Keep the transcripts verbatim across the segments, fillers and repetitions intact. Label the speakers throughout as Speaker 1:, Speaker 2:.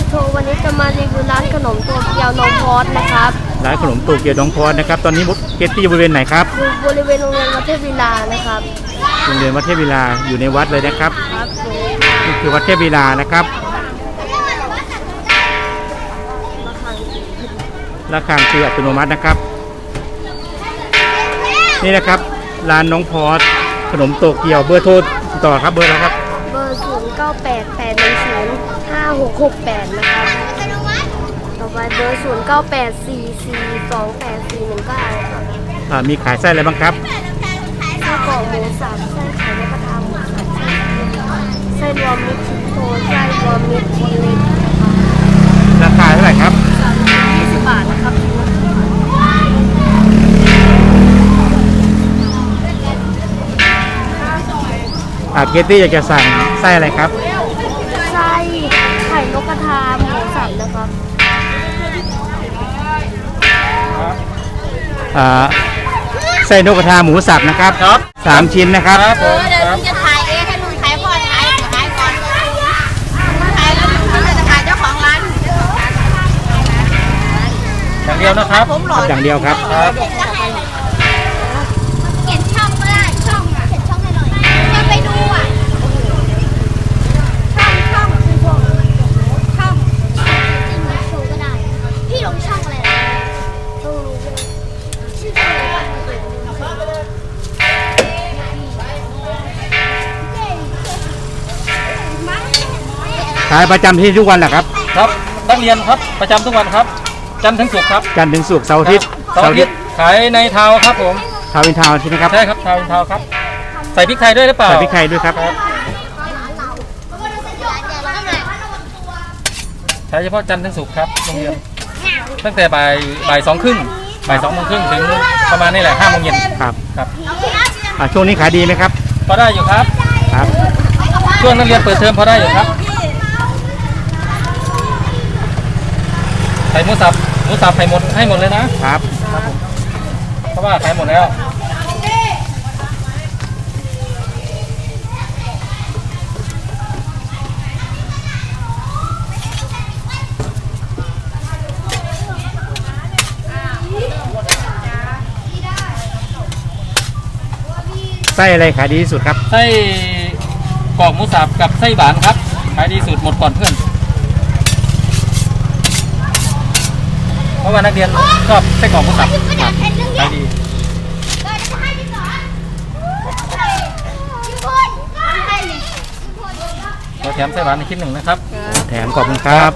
Speaker 1: โชว์วันนี้จะมารีวิวร้านขนมโตเกียวน้องพอดนะครับ
Speaker 2: ร้านขนมโตเกียวน้องพอดนะครับตอนนี้เกตตี้อยู่บริเวณไหนครับ
Speaker 1: อยู่บริเวณโรงเรียนวัดเทพวิลานะครับ
Speaker 2: โรงเรียนวัดเทพวิลาอยู่ในวัดเลยนะครับ
Speaker 1: ครับ
Speaker 2: นี่คือวัดเทพวิลานะครับระฆังคืออัตโนมัตินะครับนี่นะครับร้านน้องพอดขนมโตเกียวเบอร์โทรต่อครับเบอร์อะไรครับ
Speaker 1: เบอร์ศูนย์เก้าแปดแปดหนึ่งศูนย์ห้าหกหกแปดนะครับต่อไปเบอร์ศูนย์เก้าแปดสี่สี่สองแปดสี่หนึ่งเก้าครับ
Speaker 2: อ่ามีขายไส้อะไรบ้างครับ
Speaker 1: ไส้กรอกหมูสับไส้ไข่นกกระทาหมูสับไส้รวมมิตรชิ้นโตไส้รวมมิตรชิ้นเล็ก
Speaker 2: ราคาเท่าไหร่ครับ
Speaker 1: สามร้อยยี่สิบบาทนะครับ
Speaker 2: อ่าเกตตี้อยากจะสั่งไส้อะไรครับ
Speaker 1: ไส้ไข่นกกระทาหมูสับนะครับ
Speaker 2: อ่าไส้นกกระทาหมูสับนะครับครับสามชิ้นนะครับ
Speaker 3: เออเดี๋ยวลุงจะถ่ายเองให้ลุงถ่ายก่อนถ่ายถ่ายก่อนถ่ายแล้วลุงจะถ่ายเจ้าของร้าน
Speaker 2: อย่างเดียวนะครับอย่างเดียวครับ
Speaker 3: เขียนช่องก็ได้ช่องอ่ะเขียนช่องให้หน่อยจะไปดูอ่ะช่องช่องช่องช่องจริงๆโชว์ก็ได้พี่ลงช่องอะไรนะช่องชื่อช่องอะไร
Speaker 2: ขายประจำที่ทุกวันแหละครับ
Speaker 4: ครับนักเรียนครับประจำทุกวันครับจันทร์ถึงศุกร์ครับ
Speaker 2: จันทร์ถึงศุกร์เสาร์อาทิตย์
Speaker 4: เสาร์อาทิตย์ขายในทาวครับผม
Speaker 2: ทาวน์อินทาวน์ใช่ไหมครับ
Speaker 4: ใช่ครับทาวน์อินทาวครับใส่พริกไทยด้วยหรือเปล่า
Speaker 2: ใส่พริกไทยด้วยครับ
Speaker 4: ใช้เฉพาะจันทร์ถึงศุกร์ครับโรงเรียนตั้งแต่บ่ายบ่ายสองครึ่งบ่ายสองโมงครึ่งถึงประมาณนี่แหละห้าโมงเย็น
Speaker 2: ครับ
Speaker 4: ครับ
Speaker 2: ช่วงนี้ขายดีไหมครับ
Speaker 4: พอได้อยู่ครับ
Speaker 2: ครับ
Speaker 4: ช่วงนักเรียนเปิดเทอมพอได้อยู่ครับใส่หมูสับหมูสับใส่หมดให้หมดเลยนะครับครับผมเพราะว่าขายหมดแล้ว
Speaker 2: ไส้อะไรขายดีที่สุดครับ
Speaker 4: ไส้กรอกหมูสับกับไส้หวานครับขายดีสุดหมดก่อนเพื่อนเพราะว่านักเรียนชอบไส้กรอกหมูสับครับขายดีเราแถมไส้หวานในคลิปหนึ่งนะครับ
Speaker 2: แถมขอบคุณครับ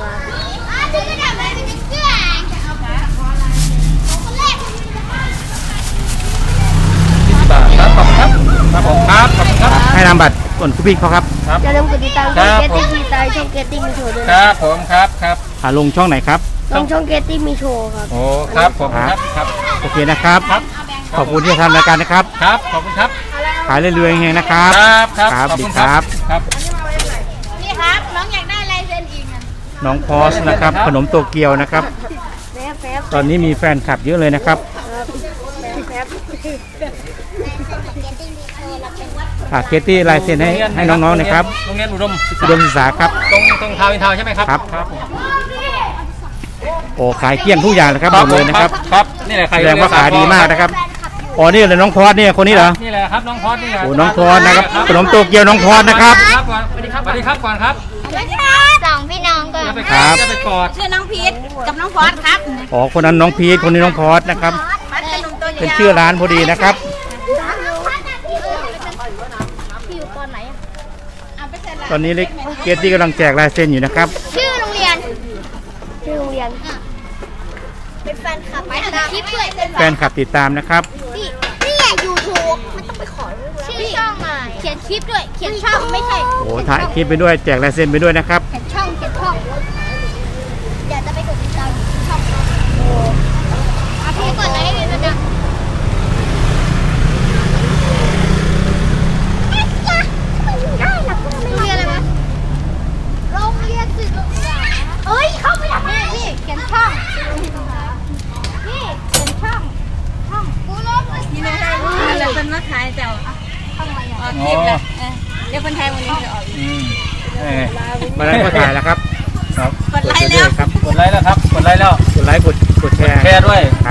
Speaker 4: ครับขอบคุณครับครับผมครับขอบคุณครับ
Speaker 2: ให้นำบัตรก่อนคุณพี่เขาครับ
Speaker 1: อย่าลืมกดติดตามช่องเกตตี้มีไตช่องเกตตี้มีโชว์ด้วย
Speaker 4: ครับผมครับครับ
Speaker 2: ลงช่องไหนครับ
Speaker 1: ลงช่องเกตตี้มีโชว์ครับ
Speaker 4: โอ้ครับผมครับครับ
Speaker 2: โอเคนะครับขอบคุณที่ทำรายการนะครับ
Speaker 4: ครับขอบคุณครับ
Speaker 2: ขายเรื่อยๆเฮงๆนะครับ
Speaker 4: ครับครับ
Speaker 2: ขอบคุณครับ
Speaker 4: ครับ
Speaker 3: นี่ครับน้องอยากได้ลายเซ็นอีก
Speaker 2: น้องพอสนะครับขนมโตเกียวนะครับตอนนี้มีแฟนคลับเยอะเลยนะครับเกตตี้ลายเซ็นให้ให้น้องๆนะครับ
Speaker 4: โรงเรียนอุดม
Speaker 2: อุดมศึกษาครับ
Speaker 4: ตรงตรงทาวน์อินทาวน์ใช่ไหมครับ
Speaker 2: ครับ
Speaker 4: ครับ
Speaker 2: โอ้ขายเกลี้ยงทุกอย่างเลยครับหมดเลยนะครับ
Speaker 4: ครับนี่แหละ
Speaker 2: แสดงว่าขายดีมากนะครับอ๋อนี่เลยน้องพอดเนี่ยคนนี้เหรอ
Speaker 4: นี่แหละครับน้องพอดนี่แหละ
Speaker 2: โอ้น้องพอดนะครับขนมโตเกียวน้องพอดนะครับ
Speaker 4: สวัสดีครับสวัสดีครับก่อนครับ
Speaker 3: สองพี่น้องก่อน
Speaker 2: ครับ
Speaker 4: จะไปกอด
Speaker 3: ชื่อน้องพีทกับน้องพอดครับ
Speaker 2: อ๋อคนนั้นน้องพีทคนนี้น้องพอดนะครับเป็นชื่อร้านพอดีนะครับตอนนี้เล็กเกตตี้กำลังแจกลายเซ็นอยู่นะครับ
Speaker 3: ชื่อโรงเรียน
Speaker 1: ชื่อโรงเรียน
Speaker 3: เป็นแฟนคลับไปตามคลิปด้วย
Speaker 2: แฟนคลับติดตามนะครับ
Speaker 3: นี่นี่แหละยูทูบมันต้องไปขอชื่อช่องอ่ะเขียนคลิปด้วยเขียนช่องไม่ใช่
Speaker 2: โอ้ถ่ายคลิปไปด้วยแจกลายเซ็นไปด้วยนะครับ
Speaker 3: เขียนช่องเขียนช่องเดี๋ยวจะไปกดติดตามช่องเอาพี่กดไลค์ให้ด้วยนะเอ้ยเข้าไปทำไมพี่เขียนช่องพี่เขียนช่องช่องกูลบนี่ไม่ได้แล้วเป็นมาขายแต่ช่องอะไรอ่ะคลิปเลยเดี๋ยวคนไทยวันนี้จะออก
Speaker 2: มาแล้วก็ถ่ายแล้วครับครับ
Speaker 3: ไลค์แล้ว
Speaker 2: ครับ
Speaker 4: กดไลค์แล้วครับกดไลค์แล้ว
Speaker 2: กดไลค์กดกดแชร์
Speaker 4: แชร์ด้วย
Speaker 2: ครับ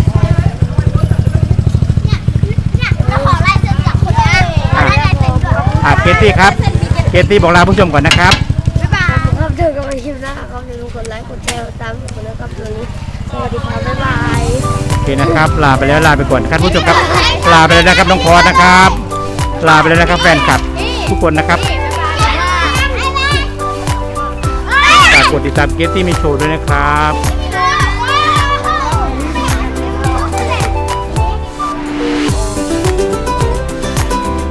Speaker 3: แล้วขอไล่เส้นจากคนได้ขอไล่ลายเส้นก่อน
Speaker 2: อ่ะเกตตี้ครับเกตตี้บอกลาผู้ชมก่อนนะครับ
Speaker 3: บ๊ายบาย
Speaker 1: ครับเจอกันใหม่คลิปหน้าครับอย่าลืมกดไลค์กดแชร์ตามผมนะครับตอนนี้สวัสดีครับบ๊ายบาย
Speaker 2: โอเคนะครับ ลาไปแล้วลาไปก่อนครับผู้ชมครับ ลาไปแล้วนะครับน้องพอสนะครับ ลาไปแล้วนะครับแฟนคลับทุกคนนะครับฝากกดติดตามเกตตี้มีโชว์ด้วยนะครับ